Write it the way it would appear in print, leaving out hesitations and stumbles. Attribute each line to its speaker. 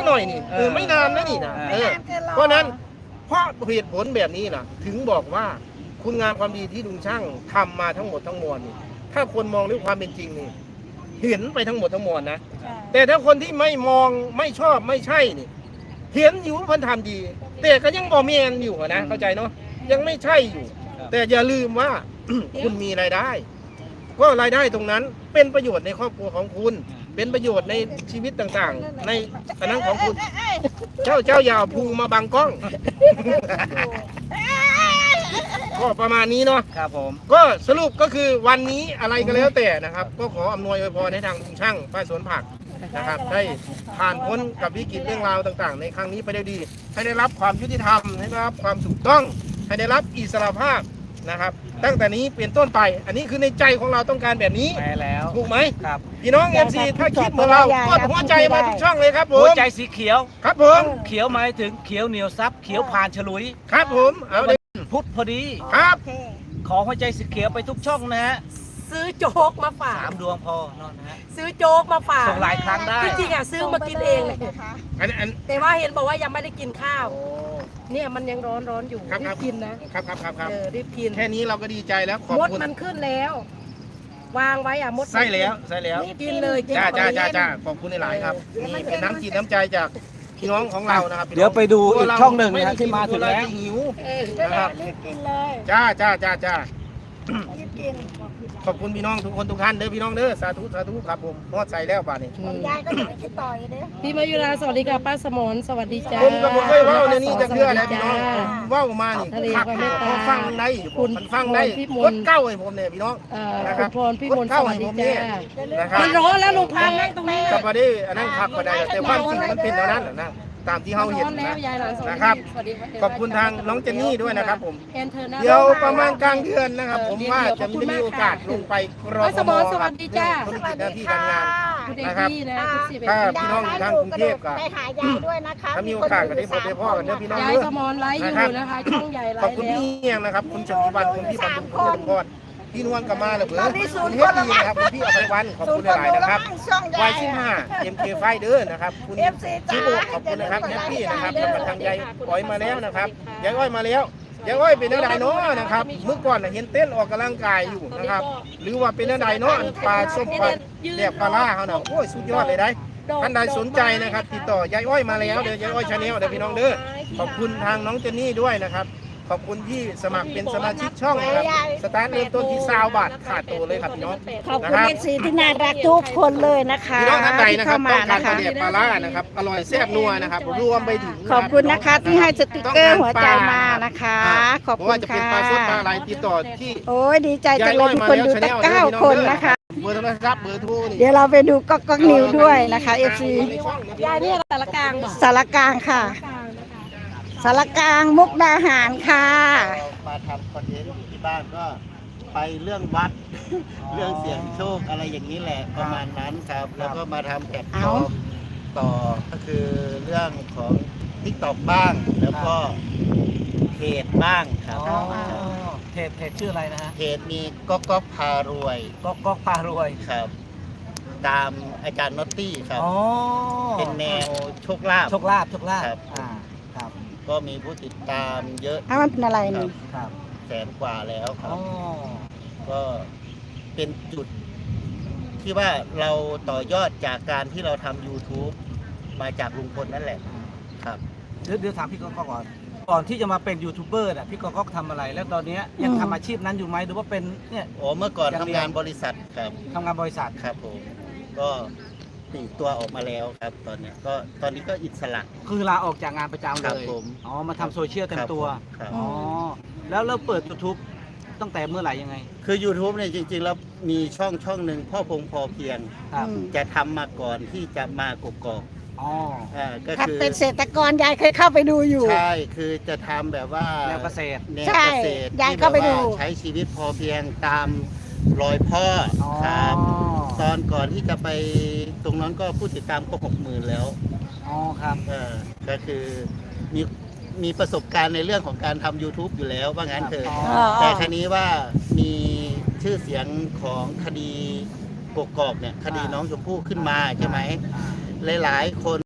Speaker 1: หน่อยนี่ไม่นานนะนี่นะเพราะนั้นเพราะเหตุผลแบบนี้นะถึงบอกว่าคุณงามความดีที่ลุงช่างทำมาทั้งหมดทั้งมวลนี่ถ้าคนมองด้วยความเป็นจริงนี่เห็นไปทั้งหมดทั้งมวลนะแต่ถ้าคนที่ไม่มองไม่ชอบไม่ใช่นี่เห็นอยู่เพิ่นทำดีแต่ก็ยังบ่แม่นอยู่นะเข้าใจเนาะยังไม่ใช่อยู่แต่อย่าลืมว่า คุณมีรายได้ก็รายได้ตรงนั้นเป็นประโยชน์ในครอบครัวของคุณเป็นประโยชน์ในชีวิตต่างๆในอันนั้นของคุณเจ้าอย่าเอาพุงมาบังกล้อง ก็ประมาณนี้เนาะ
Speaker 2: ครับผม
Speaker 1: ก็สรุปก็คือวันนี้อะไรก็แล้วแต่นะครับก็ขออำนวยอวยพรให้ทางลุงช่างป้าสวนผักนะครับได้ผ่านพ้นกับวิกฤตเรื่องราวต่างๆในครั้งนี้ไปได้ดีให้ได้รับความยุติธรรมให้ได้รับความถูกต้องให้ได้รับอิสรภาพนะครับตั้งแต่นี้เป็นต้นไปอันนี้คือในใจของเราต้องการแบบนี้
Speaker 2: แปลแล้ว
Speaker 1: ถูกไหม
Speaker 2: ครับ
Speaker 1: พี่น้อง FC ถ้าคิดเหมือนเรากดหัวใจมาทุกช่องเลยครับผม
Speaker 2: หัวใจสีเขียว
Speaker 1: ครับผม
Speaker 2: เขียวหมายถึงเขียวเหนียวซับเขียวผ่านฉลุย
Speaker 1: ครับผมเอาเลย
Speaker 2: พุทธพอดี
Speaker 1: ครับ
Speaker 2: ขอหัวใจสีเขียวไปทุกช่องนะฮะ
Speaker 3: ซื้อโจ๊กมาฝาก
Speaker 2: 3 ดวงพอนอนนะฮะ
Speaker 3: ซื้อโจ๊กมาฝาก
Speaker 2: ส่งหลายครั้งได้
Speaker 3: จริงๆอ่ะซื้อมากินเองเลยแต่ว่าเห็นบอกว่ายังไม่ได้กินข้าวเนี่ยมันยังร้อนอยู่รีบกินนะครับรีบกิน
Speaker 1: แค่นี้เราก็ดีใจแล้วขอบคุณ
Speaker 3: มดมันขึ้นแล้ว วางไว้อ่ะมด
Speaker 1: ใส่แล้ว
Speaker 3: กินเลย
Speaker 1: จ้าขอบคุณหลายครับนี่เป็นน้ำจิตน้ำใจจากพี่น้องของเรานะครับ
Speaker 2: เดี๋ยวไปดูอีกช่องหนึ่งนะที่มาถึงแล้ว
Speaker 1: หิวนะครับ
Speaker 3: กินเลย
Speaker 1: จ้าขอบคุณพี่น้องทุกคนทุกท่านเด้อพี่น้องเด้อสาธุครับผมมอดใส่แล้วป่านนี้
Speaker 3: ยายก็ยังไม่คิดต่อยเด้อพี่มายุราสวัสดีค่ะป้าสมรสวัสดีจ้า
Speaker 1: ผมก็บ่เคยเว้าในนี้จะเชื่อแล้วพี่น้องเว้ามานี่คักฟังได้คุณฟังได้กดเก้าให้ผมเนี่ยพี่น้อง
Speaker 3: นะครับพรพี่มนสวัสดีจ้ามันร้อนแล้วลุงพันนั่งตรงนี้
Speaker 1: กับประเดี๋ยวอันนั้นขับก็ได้แต่ความจริงมันเป็นเท่านั้นนะตามที่เขาเห็นนะครับขอบคุณทางน้องเจนนี่ด้วยนะครับผมเดี๋ยวประมาณกลางเดือนนะครับผมว่าจะมีโอกาสลงไปกรอ
Speaker 3: สมรสวัสดีจ้า
Speaker 1: ธุรกิจหน้าที่การงานนะครับถ้าพี่น้องทางกรุงเทพก็
Speaker 3: ไปหายายด้วยนะคะ
Speaker 1: ถ้ามีโอกาสก็ได้พบได้พ่อกันเด้อพี่น้อง
Speaker 3: ยายสมรไลฟ์อยู่นะคะช่องใหญ่ไลฟ์
Speaker 1: ขอบคุณพี่เฮียงนะครับคุณชลีวันคุณพี่บรรลุคุณจตุพรพี่นวลกับมาเลยเพื่อนคุณเฮดดีนะครับคุณพี่อภัยวันขอบคุณหลายนะครับวายชิ้น5 MK ไฟเดอร์นะครับคุณชิบุขอบคุณนะครับแฮปปี้นะครับแล้วก็ทางยายอ้อยมาแล้วนะครับยายอ้อยมาแล้วยายอ้อยเป็นอะไรเนาะนะครับเมื่อก่อนเห็นเต้นออกกำลังกายอยู่นะครับหรือว่าเป็นอะไรเนาะปลาส้มปลาแดกปลาล่าเขาเนาะโอ้ยสุดยอดเลยได้ท่านใดสนใจนะครับติดต่อยายอ้อยมาแล้วเดี๋ยวยายอ้อยชาแนลเดี๋ยวพี่น้องเด้อขอบคุณทางน้องเจนนี่ด้วยนะครับขอบคุณที่สมัครเป็นสมาชิกช่องนะครับสตาร์ทเริ่มต้นที่20 บาทขาดตัวเลยครับพี่น้อง
Speaker 3: ขอบคุณเอฟซีที่น่ารักทุกคนเลยนะคะ
Speaker 1: พี่น้องท่านใดนะครับต้องการปลาเดียบปลาล่านะครับอร่อยแซ่บนัวนะครับรวมไปถึง
Speaker 3: ขอบคุณนะคะที่ให้สติกเกอร์หัวใจมานะคะขอบคุณค่ะ
Speaker 1: ว่าจะเป็นปลาสดปลาอะไรติดต่อที่
Speaker 3: โอ้ยดีใจจังเลยมีคนดูตั้ง9 คนนะคะ
Speaker 1: เบอร์โทรศัพท์เบอร์โทร
Speaker 3: เดี๋ยวเราไปดูก๊อกนิวด้วยนะคะเอฟซียายนี่สารกลางสารกลางค่ะสารกลางมุกดาหารค่ะ
Speaker 4: มาทำคอนเทนต์อยู่ที่บ้านก็ไปเรื่องวัดเรื่องเสี่ยงโชคอะไรอย่างนี้แหละประมาณนั้นครับแล้วก็มาทำแพลตฟอร์มต่อก็คือเรื่องของ TikTok บ้างแล้วก็เพจบ้างครับ
Speaker 2: เพจชื่ออะไรนะฮะ
Speaker 4: เพจมีก๊อกพารวย
Speaker 2: ก๊อกพารวย
Speaker 4: ครับตามอาจารย์น็อตตี้ครับเป็นแนวโชคลาภ
Speaker 2: ครับ
Speaker 4: ก็มีผู้ติดตามเยอะ
Speaker 3: มันเป็นอะไรนี่
Speaker 4: ครับ100,000 กว่าแล้วครับก็เป็นจุดที่ว่าเราต่อยอดจากการที่เราทำ YouTube มาจากลุงพลนั่นแหละครับ
Speaker 2: เดี๋ยวถามพี่ก๊อกก่อนที่จะมาเป็นยูทูบเบอร์น่ะพี่ก๊อกทำอะไรแล้วตอนนี้ยังทำอาชีพนั้นอยู่ไหมหรือว่าเป็นเนี่ย
Speaker 4: เมื่อก่อนทำงานบริษัทครับ
Speaker 2: ทำงานบริษัท
Speaker 4: ครับผมก็ตีตัวออกมาแล้วครับตอนนี้ก็อิสระ
Speaker 2: คือลาออกจากงานประจำเลยมาทำโซเชียลเต็มตัวแล้วเราเปิด YouTube ตั้งแต่เมื่อไหร่ยังไง
Speaker 4: คือ YouTube เนี่ยจริงๆแล้วมีช่องหนึ่งพ่อพงพอเพียงจะทำมาก่อนที่จะมากกอก
Speaker 3: ก็คือเป็นเกษตรกรยายเคยเข้าไปดูอยู่
Speaker 4: ใช่คือจะทำแบบว่า
Speaker 2: แนวเกษตร
Speaker 3: ยายเข้าไปดู
Speaker 4: ใช้ชีวิตพอเพียงตามรอยพ่อครับตอนก่อนที่จะไปตรงนั้นก็ผู้ติดตามก็60,000แล้ว
Speaker 2: ครับ
Speaker 4: ก็คือมีประสบการณ์ในเรื่องของการทำ YouTube อยู่แล้วว่างั้นเถอะแต่ครนี้ว่ามีชื่อเสียงของคดีกกอกเนี่ยคดีน้องชมพู่ขึ้นมาใช่ไหมหลายๆคน